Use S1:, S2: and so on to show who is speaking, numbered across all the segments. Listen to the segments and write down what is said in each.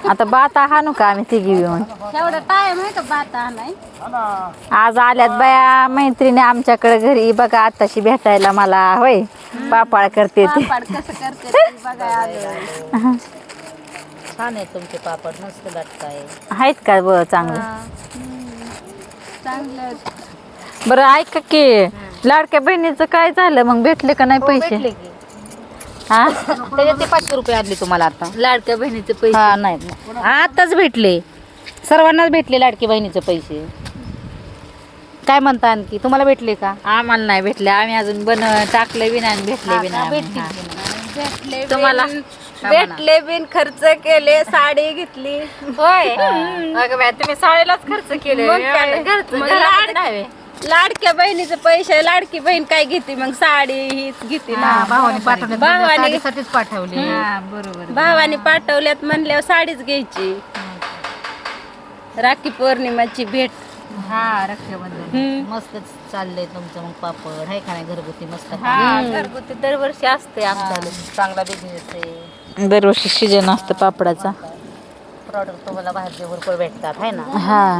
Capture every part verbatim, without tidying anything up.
S1: आता बाता हाणू का आम्ही तिघी येऊन
S2: एवढा टाइम आहे का बाता नाही
S1: आज आल्यात बाया मैत्रिणी आमच्याकडे घरी बघा आताशी भेटायला मला होय पापड करते ते
S2: पापड कसं करते ते बघायला आलोय.
S3: छान आहे तुमचे पापड मस्त लागताय
S1: आहेत का ब चांगलं
S2: हम्म. चांगलं
S1: बरं ऐका की लाडक्या बहिणीचं काय झालं मग भेटले का नाही पैसे
S3: भेटले की
S1: हा
S3: त्याच्यात ते पाचशे रुपये आणले तुम्हाला आता
S1: लाडक्या बहिणीचे पैसे
S3: हा नाही आताच भेटले सर्वांनाच भेटले लाडकी बहिणीचे पैसे काय म्हणता आणखी तुम्हाला भेटले का
S1: आम्हाला नाही भेटले आम्ही अजून बन टाकले बी नाही आणि भेटले बी नाही
S3: भेटतील
S1: हा.
S3: की नाही?
S2: भेटले
S1: तुम्हाला
S2: बिन- भेटले बिन खर्च केले साडी घेतली
S1: होय अगं बाई, तुम्ही साडीलाच खर्च केले
S2: मग काय?
S1: घरचं
S2: मग
S1: घरात
S2: लाड-
S1: नाही.
S2: लाडक्या बहिणीचे पैसे लाडकी बहीण काय घेते मग साडी हीच घेते ना
S3: हा, भावाने पाठवले
S2: भावाने-
S3: साडीसाठीच पाठवले
S1: हा बरोबर
S2: भावाने पाठवल्यात म्हणल्यावर साडीच घ्यायची राखी पौर्णिमाची भेट
S3: हा रक्षाबंधन
S2: हम्म.
S3: मस्त चाललंय तुमचं मग पापड आहे का नाही घरगुती मस्त
S1: हा घरगुती दरवर्षी असते
S3: हा,
S1: आमच्या
S3: चांगला बिझनेस आहे
S1: दरवर्षी सीजन असतं पापडाचा
S3: प्रॉडक्ट तुम्हाला बाहेरचे भरपूर भेटतात आहे ना
S1: हा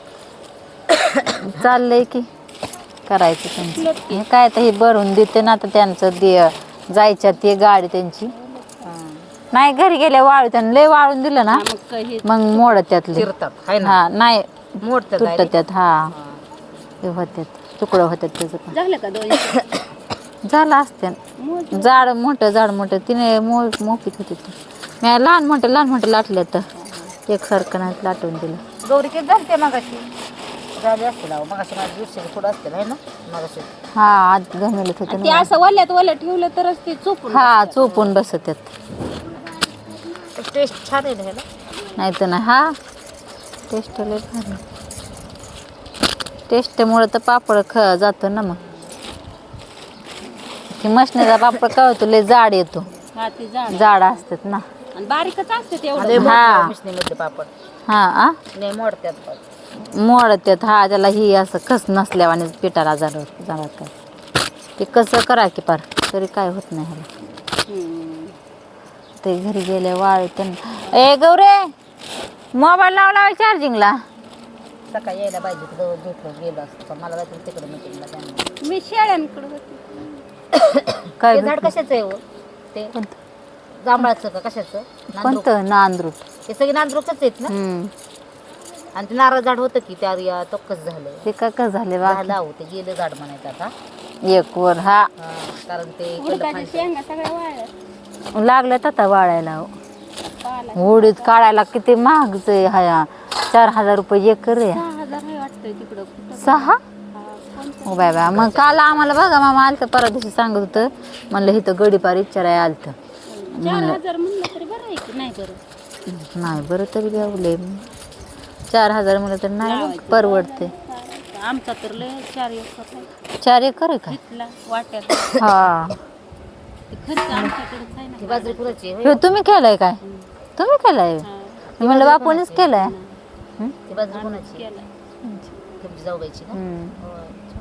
S1: चाललंय की करायचं त्यांचं हे काय तर हे भरून देते ना तर त्यांचं दे जायच्या ते गाडी त्यांची
S3: हा.
S1: नाही घरी गेल्या वाळू त्यांनी लय वाळून दिलं ना
S2: मग काही
S1: मग मोड त्यातले
S3: चिरतात आहे ना
S1: हा नाही
S3: मोडतात
S1: तुटत
S3: direct.
S1: त्यात हा
S3: हा.
S1: हे होत्यात तुकडं होत्यात त्याचं पण
S2: झालं का दोन
S1: झालं असते झाड मोठं झाड मोठं तिने मो मोफीत होती ती मी लहान मोठं लहान मोठं लाटलं तर एकसारखं नाही लाटून दिलं
S3: गौरी किती झालते मगाशी झाले असतील अहो मगाशी माझ्या दिवशी थोडं असतील आहे ना मगाशी
S1: हा आत घमेलत होते
S2: ते
S1: ना
S2: असं वल्यात वलं ठेवलं तरच ते चुपून
S1: हा चोपून बसत्यात
S3: टेस्ट छान आहे ना ह्याला
S1: नाही तर नाही हा टेस्ट लय भारी टेस्टमुळं तर पापड ख जातो ना मग की मशनीचा पापड काय होतो लय जाड येतो
S2: हा ते झाड
S1: जाड असतात ना
S2: आणि बारीकच असते
S3: लय
S2: तेवढं
S1: हा.
S3: मोडतात मिशनीमधले पापड
S1: हा आ
S3: लय मोडतात पण.
S1: मोडत्यात हा त्याला ही असं कस नसल्यावाने पिठाला जाड जाणार काय ते कसं करा की पार तरी काय होत नाही ह्याला
S2: हम्म.
S1: ते घरी गेले वाळ त्यांना ए गौरे मोबाईल लावला चार्जिंगला
S3: सकाळी यायला पाहिजे तर जवळ भेटलो गेलो असतो पण मला जायचं तिकडे मिटिंगला त्यांना
S2: मी शेळ्यांकडे होते
S1: काय
S3: ते झाड
S1: भेटलं?
S3: कशाचं आहे हो ते
S1: कोणतं?
S3: जांभळाचं का कशाचं नांदरूक.
S1: कोणतं नांदरूट
S3: ते सगळे नांदरूकच आहेत ना
S1: हम्म
S3: आणि ते नारळ झाड होतं की त्या या तोक्कच झालं
S1: ते काय काय झाले
S3: झालं अहो ते गेलं झाड म्हणायचं आता
S1: एक वर हा
S3: हा, कारण ते इकडलं
S2: उडदाच्या
S3: फांदी-
S2: शेंगा सगळ्या वाळल्या
S1: लागलं आता वाळायला हो.
S2: पाला
S1: उडीद काढायला किती महागच आहे हा चार हजार रुपये एकर आहे
S2: सहा हजार आहे वाटतंय तिकडं कुठं
S1: सहा
S2: हा, कोणतं?
S1: हो बाय बाय मग काल आम्हाला बघा मामा आलतं परवा दिवशी सांगत होतं म्हणलं इथं गडीपार विचाराय आलतं
S2: चार हजार म्हणलं तरी बरं आहे की नाही बरं
S1: नाही बरं तरी द्यावले चार हजार म्हणलं तर नाही बघ, परवडते
S2: आमचा तर लय चार एकर आहे.
S1: चार एकर आहे काय
S2: इथला वाट्यात
S1: हा
S2: ते खर्च आमच्याकडेच आहे
S3: ती
S2: ना
S3: बाजरी कुणाची आहे, होय?
S1: हे तुम्ही केलंय काय तुम्ही केलंय
S2: हा,
S1: मी म्हणलं बापूनच केलंय
S3: ती बाजरी कुणाची आहे?
S2: केलं.
S3: तुमची जाऊबाईची ना
S1: हम्म.
S3: होय.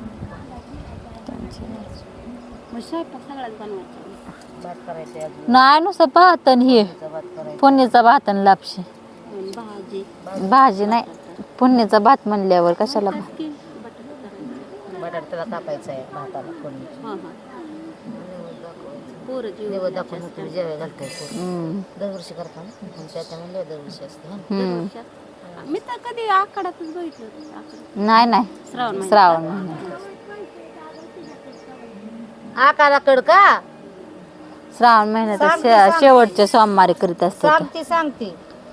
S2: मग स्वयंपाक सगळ्याच बनवायचा
S3: भात करायचे अजून
S1: नाही नुसतं भात आणि हे
S3: भात करायचा
S1: फोडणीचा भात आणि लापशी
S2: आणि भाजी
S1: भाजी नाही फोडणीचा भात म्हणल्यावर कशाला भात
S2: की बटाटा करायचा.
S3: बटाटा त्याला कापायचा आहे भाताला फोडणी
S2: हा हा पोरं जीव
S3: निवड दाखवून मग तुम्ही जेवाय घालताय पोरं.
S1: हम्म.
S3: दरवर्षी करता ना पण त्याच्या म्हणले दरवर्षी असते हा.
S1: हम्म.
S2: दरवर्षात. मी तर कधी आखाड्यातच बघितलं होतं, आखाड्यात.
S1: नाही नाही
S2: श्रावण महिन्यात.
S1: श्रावण महिन्यात
S3: आकाला कड का
S1: श्रावण महिन्यात
S3: सांगते,
S1: शे-
S3: सांगते.
S1: शेवटचे सोमवारी करीत असते
S3: सांगते सांगते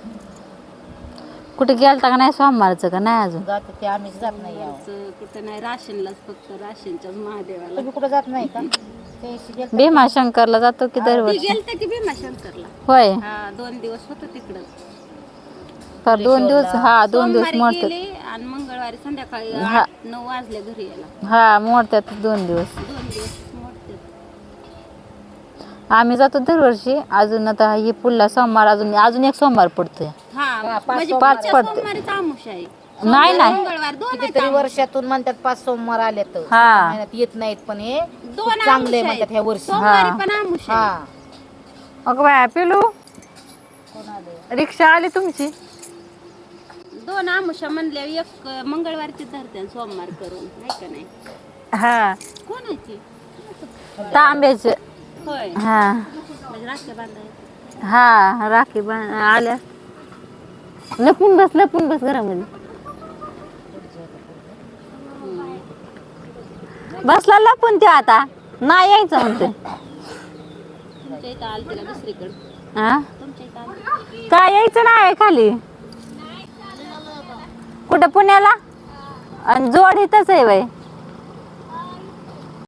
S1: कुठे गेलता का नाही सोमवारचं का नाही अजून
S3: जाते ते आम्हीच जात नाही यावं.
S2: असं कुठं नाही राशनलाच फक्त राशनच्याच महादेवाला
S3: तुम्ही कुठं जात नाही का त्याशी गेलं
S1: भीमाशंकरला जातो की
S2: ती
S1: दरवर्षी
S2: गेलते की भीमाशंकरला
S1: होय
S2: हा दोन दिवस होतो तिकडं
S1: तर दोन दिवस हा दोन दिवस
S2: सोमवारी
S1: मोडतात
S2: गेले आणि मंगळवारी संध्याकाळी
S1: हा.
S2: आठ नऊ वाजले घरी यायला
S1: हा मोडतात दोन दिवस
S2: दोन दिवस मोडते
S1: आम्ही जातो दरवर्षी अजून आता ही पुढला सोमवार अजून अजून एक सोमवार पडतोय
S2: हा
S3: पाच
S2: म्हणजे
S1: पाच
S2: पुढच्या
S1: पडते.
S2: सोमवारीच आमुष आहे
S1: नाही नाही
S2: मंगळवार दोन आहेत
S3: कितीतरी वर्षातून म्हणतात पाच सोमवार आले तर
S1: हा.
S3: महिन्यात येत नाहीत पण हे
S2: दोन
S3: खूप चांगले
S2: आमुष
S3: म्हणतात ह्या
S2: आहेत.
S3: वर्षी
S2: सोमवारी
S1: हा.
S2: पण आमुष आहे
S3: हा
S1: अगं बाया पिलू
S3: कोण आले
S1: रिक्षा आली तुमची?
S2: दोन आमुषा म्हणल्या एक मंगळवारची धरते आणि सोमवार करून नाही का नाही.
S1: हा
S2: कोणाची?
S1: तांब्याचे.
S2: होय
S1: हा
S2: म्हणजे राख्या बांधायचं.
S1: हा राखी बा- आल्या. लपून बस लपून बस घरामध्ये. बसला लपून ते आता नाही यायचं म्हणते.
S2: तुमच्या इथं आलती का दुसरीकडं?
S1: हा
S2: तुमच्या इथं आलती?
S1: काय यायचं नाही खाली कुठं पुण्याला आणि जोड इथंच आहे बाई.